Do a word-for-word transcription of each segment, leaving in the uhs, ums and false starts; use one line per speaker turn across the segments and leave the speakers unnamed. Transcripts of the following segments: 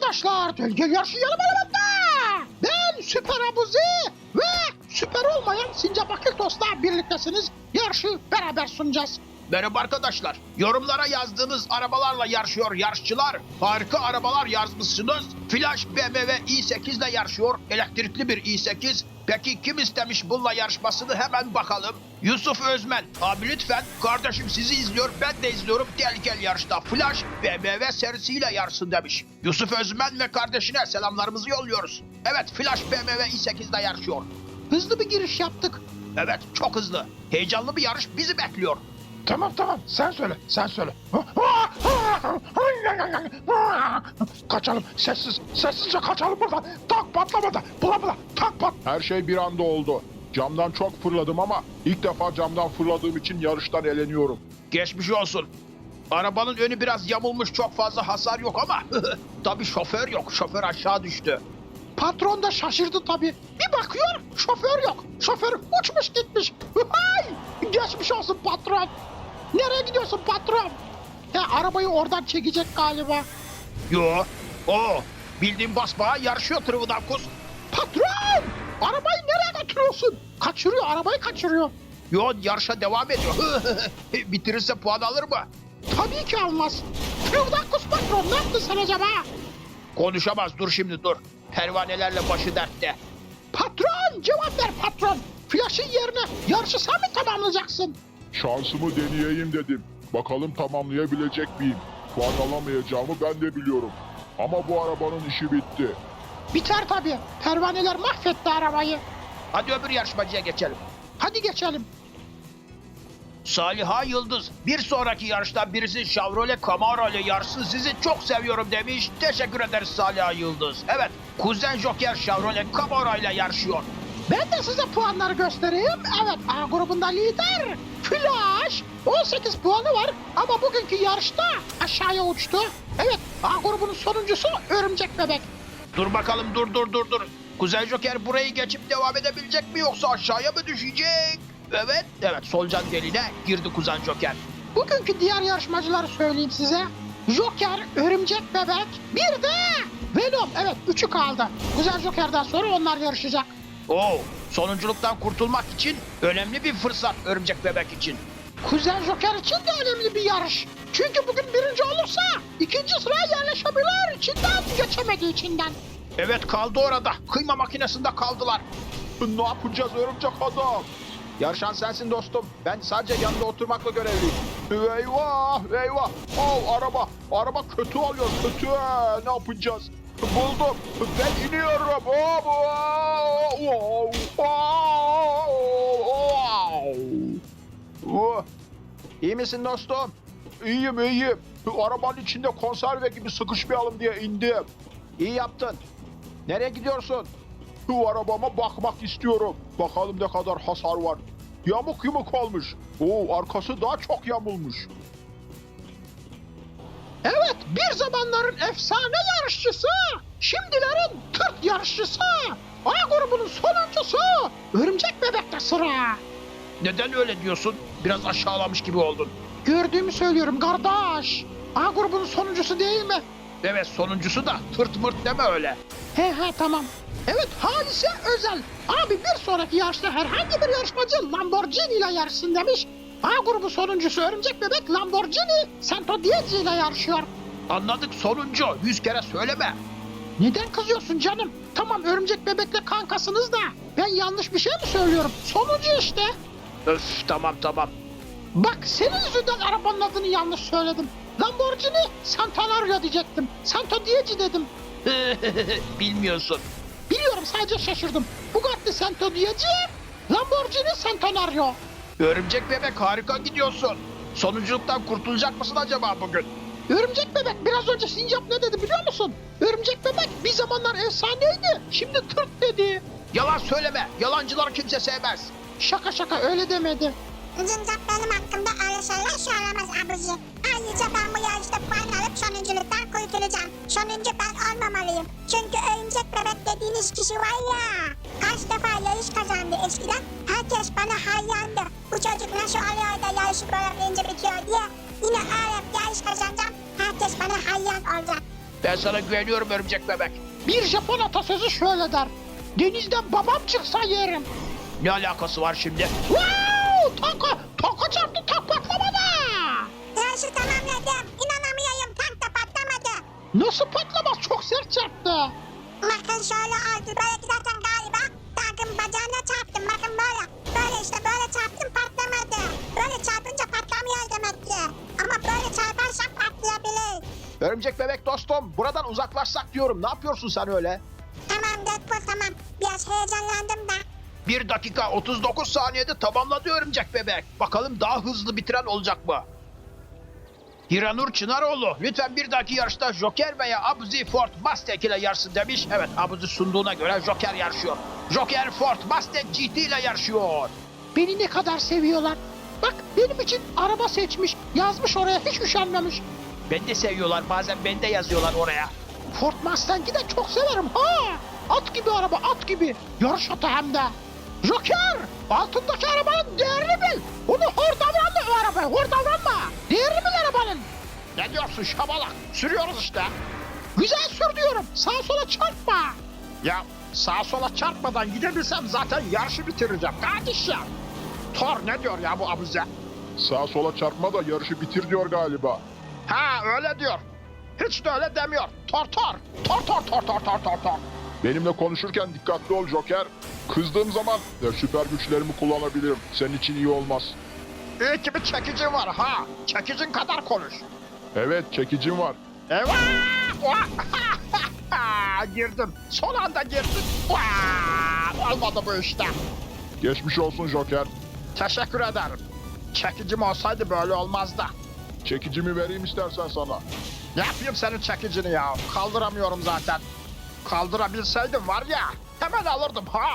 arkadaşlar, Gölge Yarışı yanım elimde. Ben Süper Abuzi ve süper olmayan Sincap Akıltos'la birliktesiniz. Yarışı beraber sunacağız.
Merhaba arkadaşlar. Yorumlara yazdığınız arabalarla yarışıyor yarışçılar. Harika arabalar yazmışsınız. Flash B M W i sekiz ile yarışıyor. Elektrikli bir i sekiz. Peki kim istemiş bununla yarışmasını hemen bakalım. Yusuf Özmen. Abi lütfen, kardeşim sizi izliyor, ben de izliyorum. Tehlikeli yarışta Flash B M W serisiyle yarışsın demiş. Yusuf Özmen ve kardeşine selamlarımızı yolluyoruz. Evet, Flash B M W i sekiz ile yarışıyor.
Hızlı bir giriş yaptık.
Evet, çok hızlı. Heyecanlı bir yarış bizi bekliyor.
Tamam tamam sen söyle sen söyle. Kaçalım sessiz sessizce kaçalım buradan. Tak patlamadı. Bula bula tak pat. Her şey bir anda oldu. Camdan çok fırladım ama ilk defa camdan fırladığım için yarıştan eleniyorum.
Geçmiş olsun. Arabanın önü biraz yamulmuş, çok fazla hasar yok ama tabii şoför yok. Şoför aşağı düştü.
Patron da şaşırdı tabii. Bir bakıyor, şoför yok. Şoför uçmuş gitmiş. Hay! Geçmiş olsun patron. Nereye gidiyorsun patron? He, arabayı oradan çekecek galiba.
Yo. O. Bildiğin basbağa yarışıyor Trivdakus.
Patron! Arabayı nereye götürüyorsun? Kaçırıyor, arabayı kaçırıyor.
Yo, yarışa devam ediyor. Bitirirse puan alır mı?
Tabii ki almaz. Trivdakus patron, ne yaptın sen acaba?
Konuşamaz, dur şimdi dur. Pervanelerle başı dertte.
Patron, cevap ver patron. Flash'ın yerine yarışı sen mi tamamlayacaksın?
Şansımı deneyeyim dedim. Bakalım tamamlayabilecek miyim? Puan alamayacağımı ben de biliyorum. Ama bu arabanın işi bitti.
Biter tabii. Pervaneler mahvetti arabayı.
Hadi öbür yarışmacıya geçelim.
Hadi geçelim.
Saliha Yıldız, bir sonraki yarışta birisi Chevrolet Camaro ile yarışsın, sizi çok seviyorum demiş. Teşekkür ederiz Saliha Yıldız. Evet, Kuzen Joker Chevrolet Camaro ile yarışıyor.
Ben de size puanları göstereyim. Evet, A grubunda lider Flash. on sekiz puanı var ama bugünkü yarışta aşağıya uçtu. Evet, A grubunun sonuncusu Örümcek Bebek.
Dur bakalım, dur dur dur dur. Kuzen Joker burayı geçip devam edebilecek mi, yoksa aşağıya mı düşecek? Evet, evet, solucan deliğine girdi Kuzen Joker.
Bugünkü diğer yarışmacıları söyleyeyim size. Joker, Örümcek Bebek, bir de Venom. Evet, üçü kaldı. Güzel Joker'den sonra onlar yarışacak.
Oo, sonunculuktan kurtulmak için önemli bir fırsat Örümcek Bebek için.
Kuzen Joker için de önemli bir yarış. Çünkü bugün birinci olursa ikinci sıraya yerleşebilir. İçinden geçemediği içinden.
Evet, kaldı orada. Kıyma makinesinde kaldılar.
Ne yapacağız örümcek adam?
Yarışan sensin dostum. Ben sadece yanında oturmakla görevliyim.
Eyvah eyvah. Oh, araba araba kötü oluyor kötü. Ne yapacağız? Buldum. Ben iniyorum. Oh, oh, oh, oh, oh.
Uh. İyi misin dostum?
İyiyim iyiyim. Arabanın içinde konserve gibi sıkışmayalım diye indim.
İyi yaptın. Nereye gidiyorsun?
Şu arabama bakmak istiyorum. Bakalım ne kadar hasar var. Yamuk yumuk olmuş. Oo, arkası daha çok yamulmuş.
Evet, bir zamanların efsane yarışçısı, şimdilerin tırt yarışçısı, A grubunun sonuncusu Örümcek Bebek'te sıra.
Neden öyle diyorsun? Biraz aşağılamış gibi oldun.
Gördüğümü söylüyorum kardeş. A grubunun sonuncusu değil mi?
Evet, sonuncusu da tırt mırt deme öyle.
He he tamam. Evet, Halise Özel. Abi bir sonraki yarışta herhangi bir yarışmacı Lamborghini ile yarışsın demiş. A grubu sonuncusu Örümcek Bebek Lamborghini Santo Diego ile yarışıyor.
Anladık, sonuncu. Yüz kere söyleme.
Neden kızıyorsun canım? Tamam, Örümcek Bebek'le kankasınız da ben yanlış bir şey mi söylüyorum? Sonuncu işte.
Öf, tamam tamam.
Bak, senin yüzünden arabanın adını yanlış söyledim. Lamborghini Centenario diyecektim. Santo Diego dedim.
Bilmiyorsun.
Biliyorum, sadece şaşırdım. Bugatti Santo Diego, Lamborghini Centenario.
Örümcek Bebek, harika gidiyorsun. Sonunculuktan kurtulacak mısın acaba bugün?
Örümcek Bebek biraz önce Sincap ne dedi biliyor musun? Örümcek Bebek bir zamanlar efsaneydi, şimdi tırt dedi.
Yalan söyleme. Yalancıları kimse sevmez.
Şaka şaka, öyle demedi.
Cincap benim hakkımda öyle şeyler söylemez abici. Ayrıca ben bu yarışta puan alıp sonunculuktan kurtulacağım. Sonuncu ben olmamalıyım. Çünkü örümcek bebek dediğiniz kişi var ya. Kaç defa yarış kazandı eskiden. Herkes bana hayrandı. Bu çocuk nasıl oluyor da yarışı böyle birinci bitiyor diye. Yine öyle yarış kazanacağım. Herkes bana hayran olacak.
Ben sana güveniyorum örümcek bebek.
Bir Japon atasözü şöyle der. Denizden babam çıksa yerim.
Ne alakası var şimdi?
Wow! Tanka, tanka çarptı, tank patlamadı.
Yarışı tamamladım. İnanamıyorum, tank da patlamadı.
Nasıl patlamaz? Çok sert çarptı.
Bakın şöyle oldu. Böyle giderken galiba tankın bacağına çarptım. Bakın böyle. Böyle işte böyle çarptım, patlamadı. Böyle çarpınca patlamıyor demek ki. Ama böyle çarparsak patlayabilir.
Örümcek bebek dostum, buradan uzaklaşsak diyorum. Ne yapıyorsun sen öyle?
Tamam Deadpool, tamam. Biraz heyecanlandım da.
bir dakika otuz dokuz saniyede tamamladı örümcek bebek. Bakalım daha hızlı bitiren olacak mı? Hiranur Çınaroğlu, lütfen bir dahaki yarışta Joker veya Abuzi Ford Mustang ile yarışsın demiş. Evet, Abuzi sunduğuna göre Joker yarışıyor. Joker Ford Mustang G T ile yarışıyor.
Beni ne kadar seviyorlar. Bak benim için araba seçmiş. Yazmış oraya, hiç üşenmemiş.
Beni de seviyorlar, bazen beni de yazıyorlar oraya.
Ford Mustang'i de çok severim ha. At gibi araba, at gibi. Yarış atı hem de. Joker, altındaki arabanın değerini bil. Onu hor davranma o arabaya, hor davranma. Değerini bil arabanın.
Ne diyorsun şabalak? Sürüyoruz işte.
Güzel sür diyorum, sağa sola çarpma.
Ya sağa sola çarpmadan gidebilsem zaten yarışı bitireceğim kardeşim. Thor ne diyor ya bu abuze?
Sağa sola çarpma da yarışı bitir diyor galiba.
Ha öyle diyor. Hiç de öyle demiyor. Thor Thor. Thor Thor Thor Thor Thor Thor Thor.
Benimle konuşurken dikkatli ol Joker. Kızdığım zaman de süper güçlerimi kullanabilirim. Senin için iyi olmaz.
İyi ki bir çekicin var ha. Çekicin kadar konuş.
Evet, çekicim var.
Eyvah! Girdim. Son anda girdim. Vaa! Olmadı bu işte.
Geçmiş olsun Joker.
Teşekkür ederim. Çekicim olsaydı böyle olmazdı.
Çekicimi vereyim istersen sana.
Ne yapayım senin çekicini ya? Kaldıramıyorum zaten. Kaldırabilseydim var ya, hemen alırdım ha.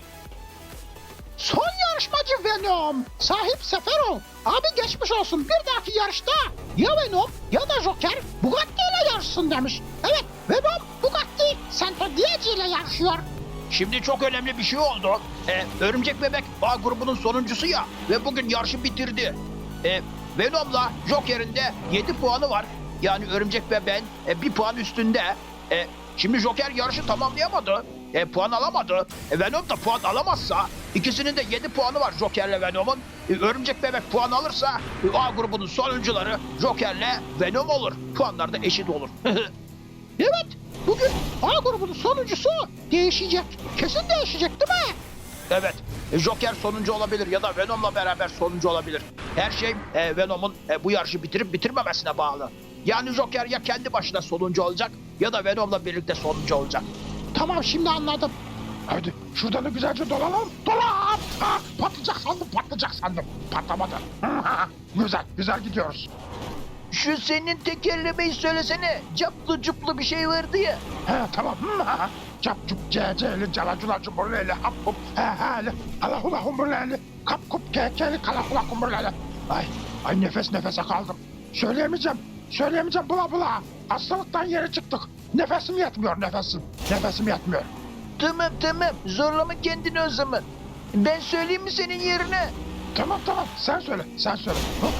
Son yarışmacı Venom. Sahip Seferov. Abi geçmiş olsun, bir dahaki yarışta ya Venom ya da Joker Bugatti ile yarışsın demiş. Evet, Venom Bugatti Centodieci ile yarışıyor.
Şimdi çok önemli bir şey oldu. Ee, Örümcek Bebek A grubunun sonuncusu ya ve bugün yarışı bitirdi. Ee, Venom'la Joker'in de yedi puanı var. Yani Örümcek Bebek'in e, bir puan üstünde. E, şimdi Joker yarışı tamamlayamadı. E, puan alamadı. E, Venom da puan alamazsa ikisinin de yedi puanı var Joker'le Venom'un. E, Örümcek Bebek puan alırsa e, A grubunun sonuncuları Joker'le Venom olur. Puanlar da eşit olur.
Evet, bugün A grubunun sonuncusu değişecek. Kesin değişecek değil mi?
Evet, e, Joker sonuncu olabilir ya da Venom'la beraber sonuncu olabilir. Her şey e, Venom'un e, bu yarışı bitirip bitirmemesine bağlı. Yani Joker ya kendi başına sonuncu olacak ya da Venom'la birlikte sonuncu olacak.
Tamam, şimdi anladım.
Hadi şuradan da güzelce dolanalım.
Dolan! Ha, patlayacak sandım, patlayacak sandım. Patlamadı.
Güzel, güzel gidiyoruz.
Şu senin tekerlemeyi söylesene. Caplı cuplu bir şey vardı ya.
He tamam. Cap cup ceceli calacula cumburleli hap hup he hele halahula humburleli kap kup kekeli kalahula humburleli. Ay, ay nefes nefese kaldım. Söyleyemeyeceğim, söyleyemeyeceğim bula bula. Hastalıktan yere çıktık. Nefesim yetmiyor nefesim. Nefesim yetmiyor.
Tamam tamam zorlama kendini o zaman. Ben söyleyeyim mi senin yerine?
Tamam tamam sen söyle, sen söyle.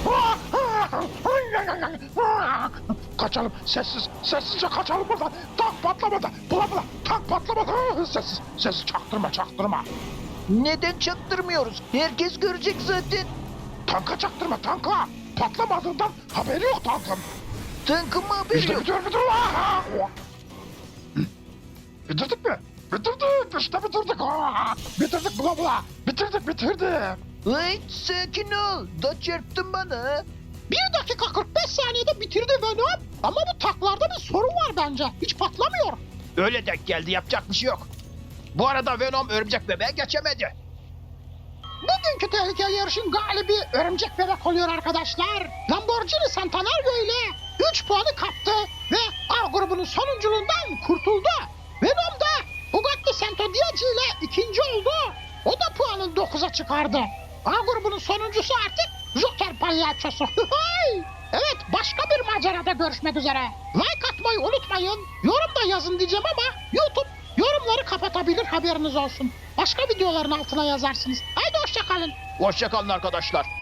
Kaçalım, sessiz, sessizce kaçalım buradan. Tank patlamadı, bula bula, tank patlamadı. Sessiz, sessiz, çaktırma, çaktırma.
Neden çaktırmıyoruz? Herkes görecek zaten.
Tanka çaktırma, tanka. Patlamadığından haberi yok tankın.
Tankın mı haberi
İşte
yok?
bitiyor, bitiyor. Bitirdik mi? Bitirdik, işte bitirdik. Bitirdik bula bula. Bitirdik, bitirdik.
Ay sakin ol. Da çarptın bana.
Bir dakika kırk beş saniyede bitirdi Venom. Ama bu taklarda bir sorun var bence. Hiç patlamıyor.
Öyle denk geldi yapacak bir şey yok. Bu arada Venom Örümcek Bebek'e geçemedi.
Bugünkü tehlikeli yarışın galibi Örümcek Bebek oluyor arkadaşlar. Lamborghini Centenario ile üç puanı kaptı ve A grubunun sonunculuğundan kurtuldu. Venom da Bugatti Centodieci ile ikinci oldu. O da puanını dokuza çıkardı. A grubunun sonuncusu artık Joker palyaçosu. Evet, başka bir macerada görüşmek üzere. Like atmayı unutmayın. Yorum da yazın diyeceğim ama YouTube yorumları kapatabilir, haberiniz olsun. Başka videoların altına yazarsınız. Haydi hoşça kalın.
Hoşçakalın arkadaşlar.